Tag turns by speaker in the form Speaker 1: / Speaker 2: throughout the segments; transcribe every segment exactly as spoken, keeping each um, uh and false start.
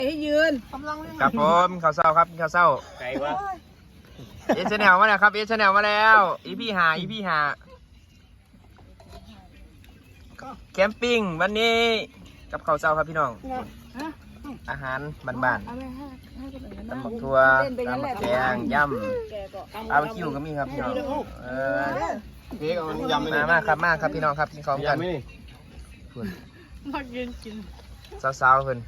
Speaker 1: เอ้ยยืน
Speaker 2: ครับผมข้าวเศร้าครับข้าวเศร้าไก่วะเอชแนลมาแล้วครับเอชแนลมาแล้วอีพี่หาอีพี่หาแคมปิ้งวันนี้กับข้าวเศร้าครับพี่น้องอาหารบ้านๆตำบักถั่วตำบักแกงย่ำบาร์บีคิวก็มีครับพี่น้องเออเค้กเอายำมามากครับมากครับพี่น้องครับกินของกัน
Speaker 1: มากินกิน
Speaker 2: สาวๆเพิ่น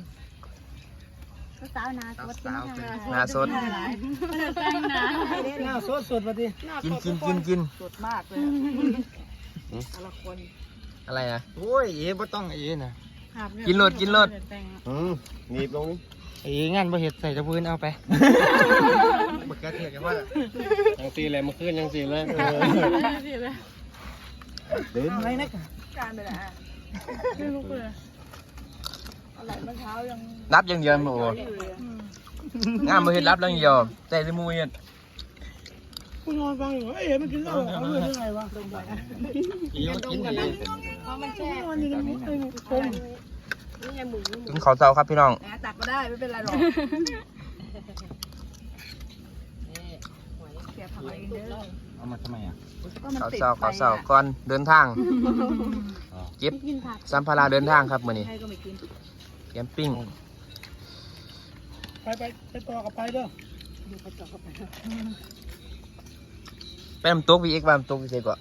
Speaker 3: สาวนาสด
Speaker 2: นาสด
Speaker 1: นาสดสดมาดิ
Speaker 2: กินกินกินกิน
Speaker 1: สดมากเลยแต่ละคน
Speaker 2: อะไรนะ
Speaker 4: โอ้ยเอ๋บ่ต้องเอ๋นะ
Speaker 2: กินรถกินรถ
Speaker 4: อืมหนีบลงนี่
Speaker 2: เอ๋งานบ่เห็ดใส่ตะพื้นเอาไปบักกะเทียกันว่า
Speaker 4: ยังตีเลยมาขึ้นยังตีเลย
Speaker 1: เดินอะไรนะการไปไหนไม่รู้เลยอะไรเมื่อเช้ายัง
Speaker 2: รับยังเดียวโอ้งานบ่เห็ดรับยังเดียวแต่ในมือเห็ด
Speaker 1: คุณนอนฟังอยู่เอ๋มันกินเหล้าเอาเรื่องยังไงวะ
Speaker 4: อีมันกินกันเลย
Speaker 1: เพราะมันแช่นอนอยู่ในมุ้งเลยคม
Speaker 2: กินข้าวเช้าครับพี่น้อง
Speaker 1: ตักมาได้ไม่เป็นไรหรอก
Speaker 4: เอามาทำไมอ่ะ
Speaker 2: ข้าวเช้าข้าวเช้าก่อนเดินทางเก็บสัมภาระเดินทางครับมื้อนี้แคมปิ้ง
Speaker 1: ไปไปไปต่อกับไปเด้อ
Speaker 2: ไปน้ำตกวีเอ็กซ์ไปน้ำตกวีเซ็กก่อน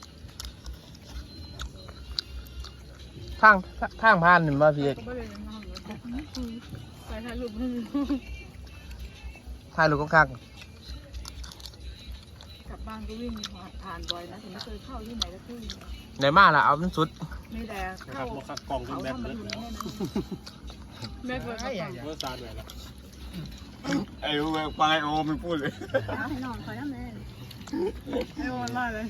Speaker 2: ทางทางผ่านหนึ่งมาพี่เอ็กซ์
Speaker 1: ไปถ่ายรูป
Speaker 2: ถ่ายรูปข้าง
Speaker 1: กลับบ้านก็วิ่งผ่านบ่อยนะแต่ไม่เคยเข้าที่ไหนสักที่
Speaker 2: ไหนมาล่ะเอาเป็นสุด
Speaker 1: ไม่แต่เข้ากล่องเป็นแบบนี้แม่เปิดเมื่อซาดเลยละ
Speaker 4: ไอ้โอ้ไปโอ้ไม่พูดเลย
Speaker 3: ให้น้องคอยน้ำแม่
Speaker 1: ให้วันมาเลย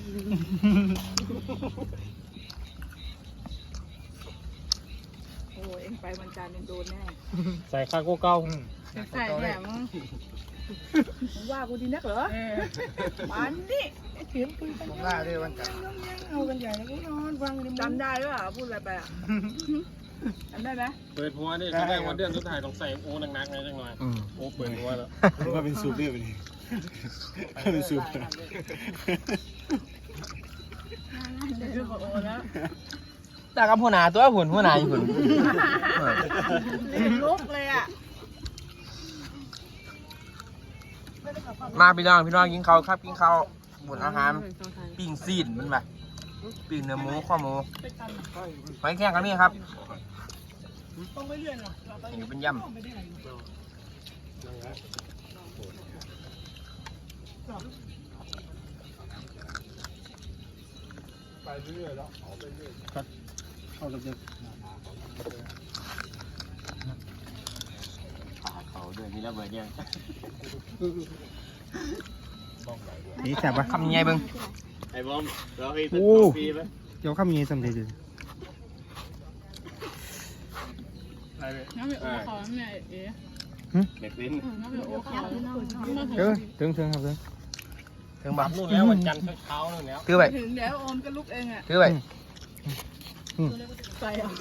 Speaker 1: โอ้เอ็งไปวันจันทร์เอ็งโดนแน่
Speaker 4: ใส่ข้าวกูเก้า
Speaker 1: ใส่แหลมว่ากูดีนักเหรอมันนี่เถียงคุยกัน
Speaker 4: ว่าด้วยวันจันทร์
Speaker 1: เอากันใหญ่แล้วกูนอนฟังจำได้หรือเปล่าพูดอะไรไปอ่ะจำได้ไหม
Speaker 4: เปิดหัวนี่แสดงวันเดือนสุดท้ายต้องใส่โอ้หนักๆไงจังหน่อยโอ้เปิดหัวแล้วว่าเป็นสูบเรียบเลยเป็นสูบ
Speaker 2: แต่กับหัวหน้าตัวหุ่นหัวหน้าอยู่หุ่น
Speaker 1: ลุกเลยอ่ะ
Speaker 2: มาพี่น้องพี่น้องกินข้าวครับกินข้าวบุญอาหารปิ้งซีนมันแบบปิ้งเนื้อหมูข้อหมูหอยแครงกันนี่ครับนี่เป็นยำ
Speaker 4: ไปเรื่อยแล้วเอาไปเรื่อยเข้าเรื่อยเขาด้วยมีระเบิดยัง
Speaker 2: นี่แซ่บปะคำยังไงเบิ้ง
Speaker 4: ไอ้บอมเราไอ้ตัวปีไหม
Speaker 2: เดี๋ยวคำยังไงสำเร็จเลย
Speaker 1: น้ำเป็นโอคอมเนี่ยเอ๋
Speaker 4: เด็กลิ้น
Speaker 1: น้ำเป็นโอคอม
Speaker 2: เออถึงถึงครับถึงถึงบัก
Speaker 4: นู่นแล้ววันจันทร์เช้านู่นแล้ว
Speaker 2: ถือไป
Speaker 1: ถึงแล้วอมก็ลุกเองอ่ะ
Speaker 2: ถือไป
Speaker 1: ใส่เอา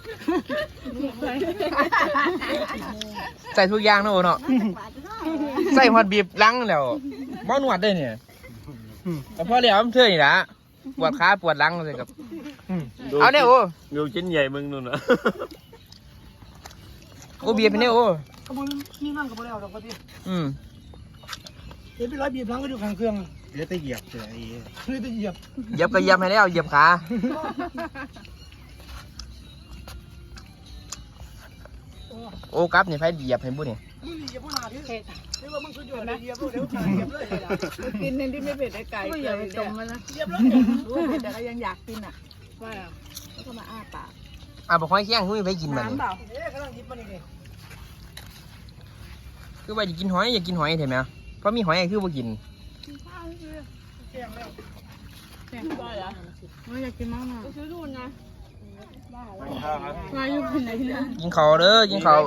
Speaker 2: ใส่ทุกอย่างนะโอ้เนาะใส่หอดบีบลังแล้วบ้านวดได้เนี่ยแต่พอแล้วมันเท่นี่ละปวดขาปวดลังเลยกับเอาเนี่ยโอ้
Speaker 4: ดูชิ้นใหญ่มึงนู่นนะ
Speaker 2: โอ้บีบไปเนี่ยโอ้
Speaker 1: ขบวนนี่นั่งกับพวกเราดอกปะที่
Speaker 2: อืม
Speaker 1: เดี๋ยวไปร้อยบีบลังก็อยู่ข้างเครื่อง
Speaker 4: เดี๋ยวจะเหยียบเฉย
Speaker 1: เดี๋ยวจะเหยียบ
Speaker 2: เหยียบก็เหยียบให้แล้วเหยียบขาโอ้กับนี่ไฟเหยียบให้บุ้นี่
Speaker 1: มึงเหยียบพวกหนาที่นี่ว่ามึงสุดยอดนะเหยียบเดี๋ยวเหยียบเลยกินเน้นที่ไม่เผ็ดไอ้ไก่เหยียบจมมาแล้วเหยียบเลยรู้เผ็ดแต่ก็ยังอยากกินอ่ะว่าแล้วก็มาอ้าปาก
Speaker 2: อ่ะบอกให้แข้งคุยไปกินมัน
Speaker 1: เปล่าเอ๊ะกำลังหยิบมานี่
Speaker 2: คือว่าจะกินหอยอยากกินหอยเห็นไหมเพราะมีหอยคือว่ากิน
Speaker 1: แกงแล้วแกงได้เหรอไม่อยากกินมากๆซื้อดูนะมาอยู่ที่ไหนนะ
Speaker 2: กินข้าวเด้อกินข้าว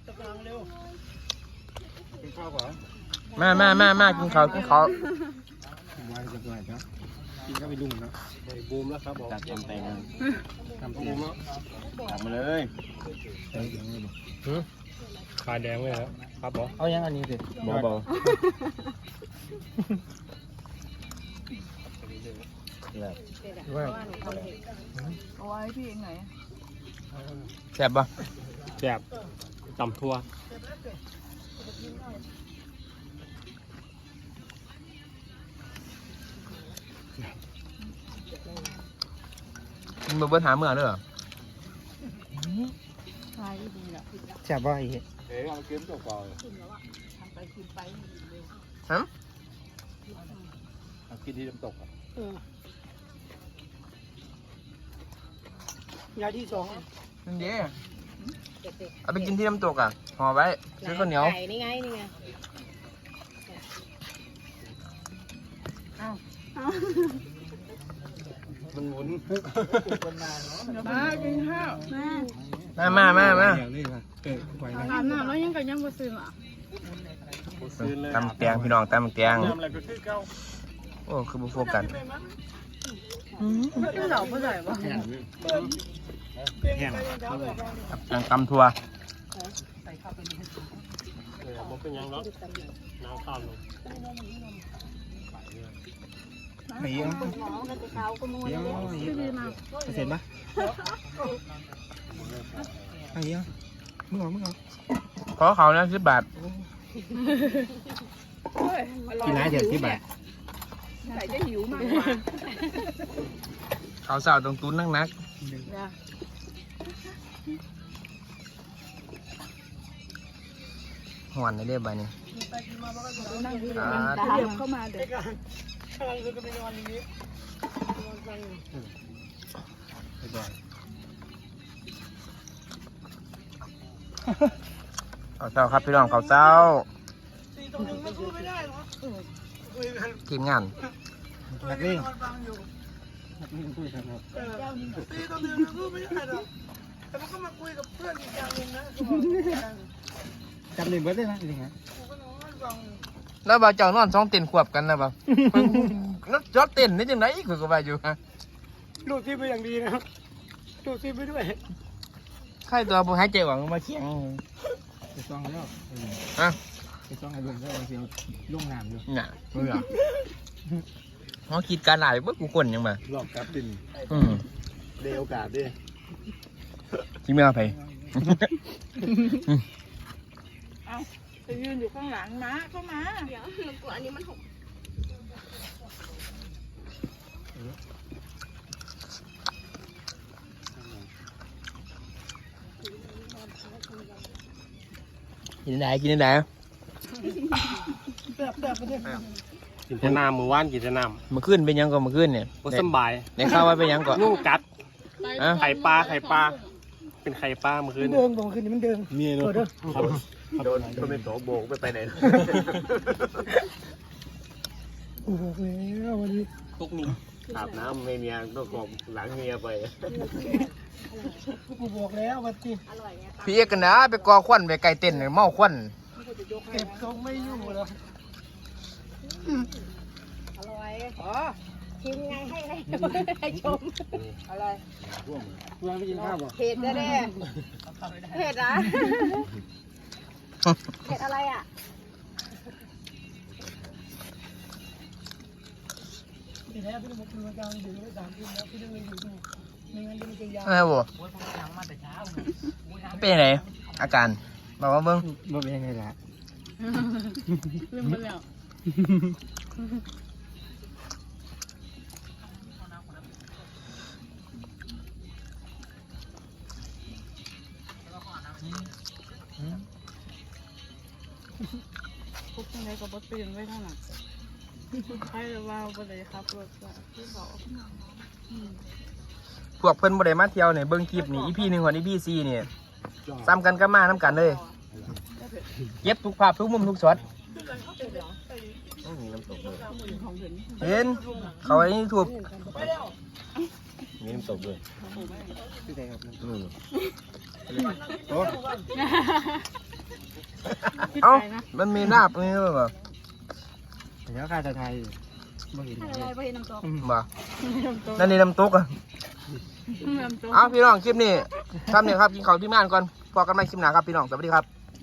Speaker 2: มามามามากินข้าวกินข้าว
Speaker 4: กินก็ไปดุ่มนะบูมแล้วครับบอกจัดเต็มเต็มทำบูมแล้วทำมาเลยปลาแดงเลยครับครับบอ
Speaker 2: เอายังอันนี้สิบอบอแบบ
Speaker 1: เอาไว้พี่เองไหน
Speaker 2: แซ่บปะ
Speaker 4: แซ่บตำทั่ว
Speaker 2: มึงมาเบิ้ลหาเมื่อเด้อ
Speaker 1: ใช่ดีละ
Speaker 2: แซ่บปะไอ้เหี้ย
Speaker 4: เอ๊ะเอาเก็บตัวก่อน
Speaker 1: ทำไปกินไป
Speaker 2: ฮะ
Speaker 4: กินที่น้ำตกอ่ะ
Speaker 1: ยาที่สอง
Speaker 2: นั่นเด้เอาไปกินที่น้ำตกอ่ะห่อไว้ซื้อข้าวเหนียว
Speaker 3: ไก่นี่ไงนี่ไง
Speaker 4: มันหมุน
Speaker 1: มากินข้าว
Speaker 2: มามามามา
Speaker 4: อย่างนี้ป่ะเออไหวไหม
Speaker 1: อาบน้ำแล้วยังกันยังบ่ซื้ออ่ะ
Speaker 4: ซื้อเลย
Speaker 2: ตำแตงพี่น้องตำแตง
Speaker 4: ทำอะไรก็คือเก่า
Speaker 2: โอ้คือบุฟโฟกัน
Speaker 1: ไม่เหล่าเมื่อไหร่วะ
Speaker 4: แห้งแห้ง
Speaker 2: ยังตำทัว
Speaker 4: เออมันเป็นยังเนาะน้ำข้าวลง
Speaker 2: ไม่ยัง
Speaker 3: หมอมันจะเขาขโมย
Speaker 2: ยัง
Speaker 3: เลย
Speaker 2: เสร็จปะไอ้ยังมึงเอามึงเอาขอเขานะสิบบาทกินไรเดี๋ยวสิบบาท
Speaker 1: ใส่จะหิวมากกว่า
Speaker 2: เขาสาวตรงตุ้นนักนักหวนในเรียบใบนี้
Speaker 1: นั่งที่มันตาเหยียบเข้ามาเด็ก
Speaker 2: เขาเศร้าครับพี่น้องเขาเศร้าทีมงานนักเล่น
Speaker 5: ตีตัวหนึ่งมันพูดไม่ได้หรอกแต่มันก็มาคุยกับเพื่อนอีกอย่างหนึ่งนะ
Speaker 2: จำเล่นเบิร์ดได้ไหมจริงฮะ
Speaker 5: กูก็นอนฟัง
Speaker 2: แล้วบ่าวเจ้านอนสองเต็นขวบกันนะบ่าวแล้วจอดเต็นนี่จังไหนคือก็ว่าอยู่ฮะ
Speaker 5: ดูดซีไปอย่างดีนะครับดูดซีไปด้วย
Speaker 2: ใครตัวบ่หายใจหวังมาเคียง
Speaker 6: ไปซ่องแล้ว
Speaker 2: ฮะ
Speaker 6: ไปซ่องไอ้เรื่องก็เอาเสียวลุ่งน้ำอยู่
Speaker 2: น่ะเบื่อเขาคิดการหลายเบิ่กูคนยังมา
Speaker 4: หลอกกลับติน
Speaker 2: อืม
Speaker 4: เดโอกาสดิ
Speaker 2: ที่ไม่เอาไป
Speaker 1: ไปยืนอยู่ข้างหลังมาเข้ามา
Speaker 3: เดี๋ยวหนูกลัวอันนี้มันหก
Speaker 2: กินได้กินได้
Speaker 5: แบบแบบประเด็น
Speaker 4: กินแต่น้ำมือว่านกินแต่น้
Speaker 2: เมื่อคืนเป็นยังก่อนเมื่อคืนเนี่ย
Speaker 4: ำก็สบาย
Speaker 2: ในข้าวว่าเป็นยังก่อน
Speaker 4: งูกัด
Speaker 2: อ่ะ
Speaker 4: ไข่ปลาไข่ปลาเป็นไข่ปลาเมื่อคืน
Speaker 5: เดินบอกคืนนี้มันเดิน
Speaker 4: มีเนาะโดนโดนเป็นโตโบกไปไปไหน
Speaker 5: โอ้โหแล้ววันนี้
Speaker 4: ตุกนี่อาบน้ำเมียต้องกอบหลังเมียไป
Speaker 5: กูบอกแล้ววันที่
Speaker 3: อร่อยเนี่ย
Speaker 2: พี่เอกกันนะไปกอควันไปไก่เต้นเมาควัน
Speaker 5: เก็บทรงไม่อยู่แล้ว
Speaker 3: อร่อย
Speaker 1: อ๋อ
Speaker 3: ชิมไงให้ให้ให้ชม
Speaker 1: อะไร
Speaker 6: เพื่อนไปกินข้าวบ่
Speaker 3: เผ็ดแน่เผ็ดอ่ะเผ็ดอะไรอ่ะ
Speaker 5: ทีแรกพี่ต้องมาคุยกันอยู่ไม่สามทุ่มแล้วพี่ต้องมาอยู่ดูไม่งั้นจะไม่จะยาว
Speaker 2: อะไรบ่เป็นยังไงอาการบอกว่าเบิ้ง
Speaker 6: บ่เป็นยังไงล่ะ
Speaker 1: ลืมไปแล้ว พวกนี้ก็บ่ตื่นไว้เท่านั้นใครจะว่าบ่ได้ครับรถว่าที่บอก
Speaker 2: พวกเพิ่นบ่ได้มาเที่ยวเนี่ยเบิ้งคลิปนี่อีพีหนึ่งกับอีพีสี่เนี่ยซ้ำกันก็มาน้ำกันเลยเย็บทุกภาพทุกมุมทุกช็อตเห็นเขาไอ้นี่ถูก
Speaker 4: มีน้ำตกด้วย
Speaker 6: ที่ไหนครับ
Speaker 2: เอ้ามันมีลาบนี่ด้วยบ่
Speaker 6: เดี๋ยวข้าจะไทยบ่เห็น
Speaker 3: ให้อะไรไปน้ำตก
Speaker 2: บ่นั่นนี่น้ำตกอ่ะเอาพี่น้องคลิปนี้ทำเนี่ยครับกินข้าวที่ม่านก่อนพอกันใหม่คลิปหน้าครับพี่น้องสวัสดีครับ